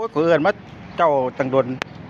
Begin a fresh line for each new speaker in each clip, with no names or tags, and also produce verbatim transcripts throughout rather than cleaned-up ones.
ยเพื่อนมาเจ้าตังดน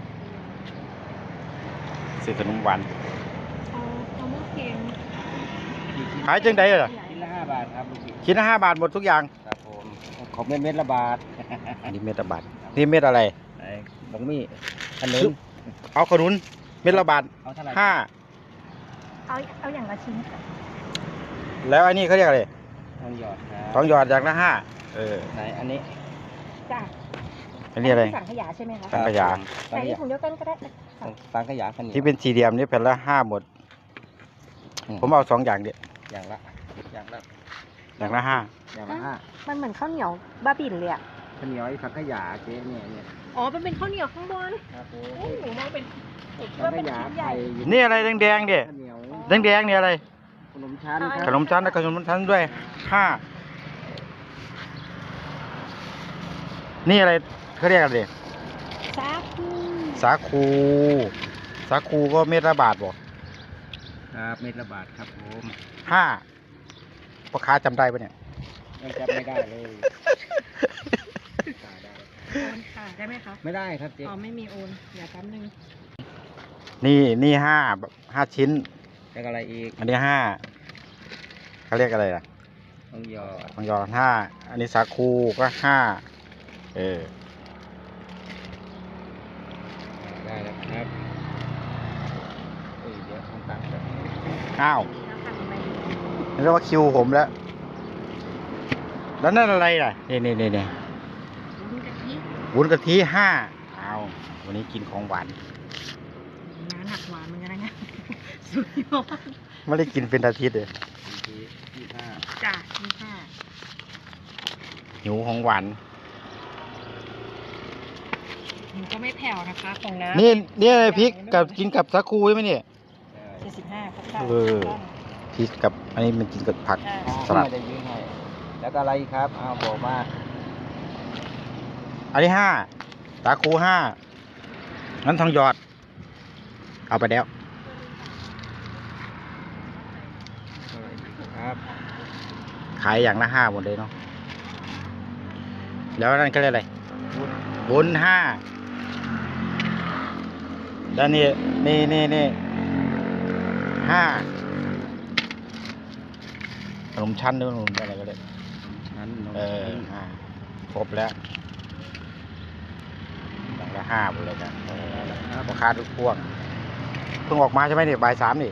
เสียขนมหวาน
เอาเอาหม้อเค็ม
ขายจังไดล่ะ
ชิ้นละห้าบาทครับลูกศิษย์
ชิ้นละห้าบาทหมดทุกอย่าง
ครับผมของเม็ดเม็ดละบาท
อันนี้เม็ดละบาทนี่เม็ดอะไร
ไอ้บงมี่ขนุน
เอาขนุนเม็ดละบาท
เอาเท่าไหร่
ห้า
เอาเอาอย่างละชิ้นค่ะ
แล้วอันนี้เขาเรียกอะไร
ทองหยอดครับ
ทองหยอดอย่างละห้าเออ
ไหนอันนี้
จ้ะ
อันนี้อะไร
สังขยาใช่ไหมคะ
สังขยา
ใส่ถุงเดียวกันก็ได้ค่ะ
สังขยาขน
ที่เป็นสี่เหลี่ยมนี่แผ่นละห้าหมด ผมเอาสองอย่างเดียว
อย่างละอย่างละ
อย่างละห้า
อย่างละห้า
มันเหมือนข้าวเหนียวบ้าบิ่นเลยอ่ะ
ข้าวเหนียวไอ้สังขยาเจ๊เนี่ยเนี่ย
อ๋อมันเป็นข้าวเหนียวข้างบน
ครับผม
โอ้หนูมองเป็น
สังขยาไข่
นี่อะไรแดงๆเนี่ย
ข้าวเหนียว
แดงๆเนี่ยอะไร
ขนมชั้นค
ข
รับ
นมชั้นและขนมชั้นด้วยห้านี่อะไรเขาเรียกอะไร
ซาคู
สาคูสาคูก็เม็ดละบาทบ่
ครับเม็ดละบาทครับผม
ห้าพ่อค้าจำได้ปะเนี่ย
ยังจับไม่ได้เลย
โอนค่ะได้ไหมคะ
ไม่ได้ครับเจ๊
อ๋อไม่มีโอนเดี๋ยวแป๊บนึง
นี่นี่ห้าห้าชิ้น
แล้วก็อะไรอีก
อันนี้ห้าเขาเรียกอะไรล่ะ
ทองหยอด
ทองหยอดห้าอันนี้สาคูก็ห้าเออ
ได้แล้วครับเอ้ยเดี๋ยวเอาตังค์ก่อน
อ้าว
แล้วค่ะไป
นี่เรียกว่าคิวผมแล้ว แล้วนั่นอะไรล่ะนี่นี่นี่นี่
วุ้นกะทิ
วุ้นกะทิห้าอ้าววันนี้กินของหวาน
น้ำหนักหวานเหมือนกันนะเนี่ยสุดยอด
ไม่ได้กินเป็นอาทิตย์เลย
ทียี่ห้า
จ้ะนี่ค่ะ
หิวของหวาน
หนูก็ไม่แผ่วนะคะของน้ำ
นี่นี่อะไรพริกกับกินกับสาคูใช่ไหมเนี่ย
เจ็ดสิบห้าครับ
เออ พริกกับอันนี้มันกินกับผัก ส
ส
ลั
ลั
ด
ดได้ยืนให้แล้วก็อะไรอีกครับเอาบอกมา
อันนี้ห้าสาคูห้างั้นทองหยอด เอาไปแล้ว
ครับ
ขายอย่างละห้าหมดเลยเนาะแล้วนั่นก็เรียกอะไร
วุ้น
วุ้นห้าแล้วนี่นี่นี่นี่ห้าขนมชั้นหรือขนมอะไรก็ได้
นั้นนม
เออห้าครบแล้วอย่างละห้าหมดเลยครับราคาทุกพวงเพิ่งออกมาใช่ไหมเนี่ยบ่ายสามนี่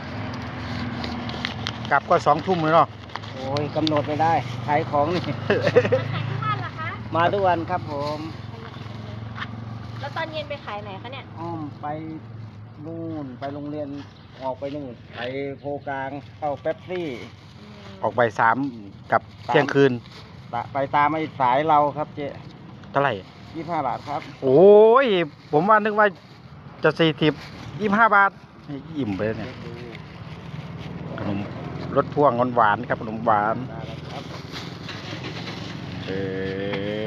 กลับก็สองทุ่มเลยเนาะ
โอ้ยกำหนดไม่ได้ขายของนี่
ขายทุกวันเหรอคะ
มาทุกวันครับผม
แล้วตอนเย็นไปขายไหนคะเนี่ย
อ้อมไปนู่นไปโรงเรียนออกไปนู่นไปโพกลางเข้าเป๊ปซี่
ออกบ่ายสามกับเที่ยงคืน
ตะไปตามไอ้สายเราครับเจ๊
เท่าไหร่
ยี่ห้าบาทครับ
โอ้ย ผมว่านึกว่าจะสี่สิบยี่ห้าบาทอิ่มไปแล้วเนี่ยขนมรสพ่วงหวานๆครับขนมหวาน
ได้แล้วครับ
เออ